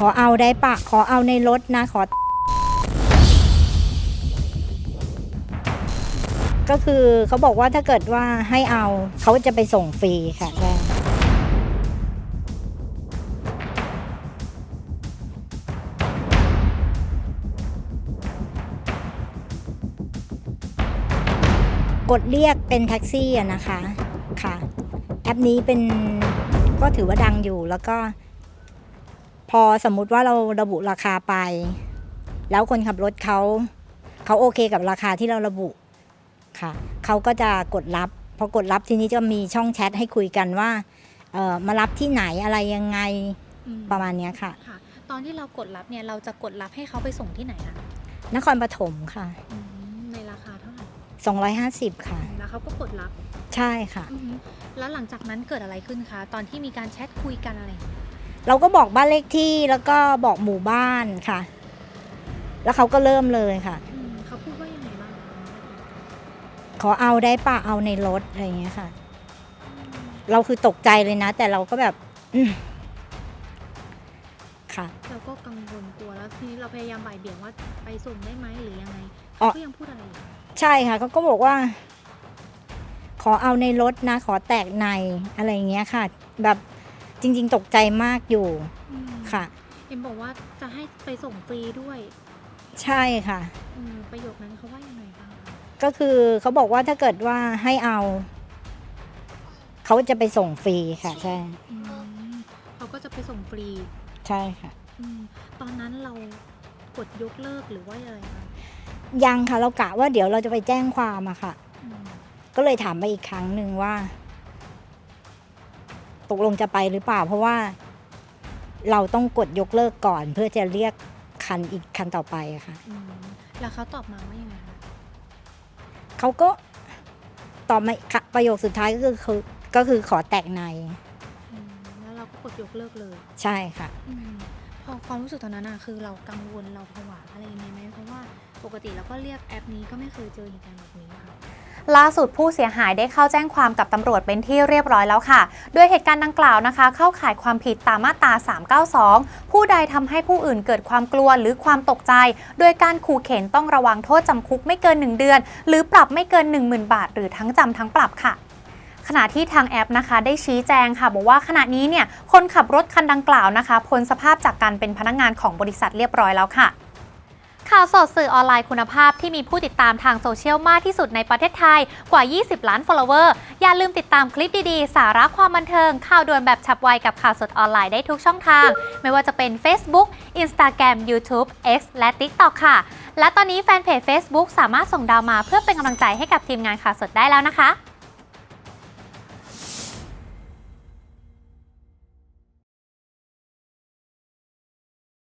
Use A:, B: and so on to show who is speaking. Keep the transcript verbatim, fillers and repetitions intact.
A: ขอเอาได้ปะขอเอาในรถนะขอก็คือเขาบอกว่าถ้าเกิดว่าให้เอาเขาจะไปส่งฟรีค่ะใช่กดเรียกเป็นแท็กซี่อะนะคะค่ะแอปนี้เป็นก็ถือว่าดังอยู่แล้วก็พอสมมุติว่าเราระบุราคาไปแล้วคนขับรถเขาเขาโอเคกับราคาที่เราระบุค่ะเขาก็จะกดรับพอกดรับทีนี้จะมีช่องแชทให้คุยกันว่าเอ่อมารับที่ไหนอะไรยังไงประมาณนี้ค่ะ
B: ค่ะตอนที่เรากดรับเนี่ยเราจะกดรับให้เขาไปส่งที่ไหนคะ
A: นครปฐมค่ะ
B: ในราคาเท่าไหร่
A: สองร้อยห้าสิบค่ะ
B: แล้วเขาก็กดรับ
A: ใช่ค่ะ
B: แล้วหลังจากนั้นเกิดอะไรขึ้นคะตอนที่มีการแชทคุยกันอะไร
A: เราก็บอกบ้านเลขที่แล้วก็บอกหมู่บ้านค่ะแล้วเขาก็เริ่มเลยค่ะ
B: เขาพูดว่ายังไงบ้าง
A: ขอเอาได้ป่ะเอาในรถอะไรอย่างเงี้ยค่ะเราคือตกใจเลยนะแต่เราก็แบบค่ะ
B: เราก็กังวลกลัวแล้วทีนี้เราพยายามบ่ายเบี่ยงว่าไปส่งได้ไหมหรือยังไงเขาก็ยังพูดอะไรอยู่
A: ใช่ค่ะเขาก็บอกว่าขอเอาในรถนะขอแตกในอะไรอย่างเงี้ยค่ะแบบจริงๆตกใจมากอยู่ค่ะ
B: เอ็มบอกว่าจะให้ไปส่งฟรีด้วย
A: ใช่ค่ะ
B: ประโยคนั้นเขาว่ายังไงบ้าง
A: ก็คือเขาบอกว่าถ้าเกิดว่าให้เอาเขาจะไปส่งฟรีค่ะใช่
B: เขาก็จะไปส่งฟรี
A: ใช่ค่ะ
B: ตอนนั้นเรากดยกเลิกหรือว่าอะไรคะ
A: ยังค่ะเรากะว่าเดี๋ยวเราจะไปแจ้งความอะค่ะก็เลยถามไปอีกครั้งหนึ่งว่าตกลงจะไปหรือเปล่าเพราะว่าเราต้องกดยกเลิกก่อนเพื่อจะเรียกคันอีกคันต่อไปอะค่ะ
B: แล้วเขาตอบมาว่ายังไง
A: เขาก็ตอบมาประโยคสุดท้ายก็คือคือก็คือขอแตกใน
B: แล้วเราก็กดยกเลิกเลย
A: ใช่ค่ะ
B: พอความรู้สึกตอนนั้นอะคือเรากังวลเราผวาอะไรยังไงไหมเพราะว่าปกติเราก็เรียกแอปนี้ก็ไม่เคยเจอเหตุการณ์แบบนี้ค่ะ
C: ล่าสุดผู้เสียหายได้เข้าแจ้งความกับตำรวจเป็นที่เรียบร้อยแล้วค่ะโดยเหตุการณ์ดังกล่าวนะคะเข้าข่ายความผิดตามมาตราสามเก้าสองผู้ใดทำให้ผู้อื่นเกิดความกลัวหรือความตกใจโดยการขู่เข็นต้องระวังโทษจำคุกไม่เกินหนึ่งเดือนหรือปรับไม่เกิน หนึ่งหมื่น บาทหรือทั้งจำทั้งปรับค่ะขณะที่ทางแอปนะคะได้ชี้แจงค่ะบอกว่าขณะนี้เนี่ยคนขับรถคันดังกล่าวนะคะพ้นสภาพจากการเป็นพนักงานของบริษัทเรียบร้อยแล้วค่ะข่าวสดสื่อออนไลน์คุณภาพที่มีผู้ติดตามทางโซเชียลมากที่สุดในประเทศไทยกว่ายี่สิบล้าน follower อย่าลืมติดตามคลิปดีๆสาระความบันเทิงข่าวด่วนแบบฉับไวกับข่าวสดออนไลน์ได้ทุกช่องทางไม่ว่าจะเป็น Facebook Instagram YouTube X และ TikTok ค่ะและตอนนี้แฟนเพจ Facebook สามารถส่งดาวมาเพื่อเป็นกำลังใจให้กับทีมงานข่าวสดได้แล้วนะคะ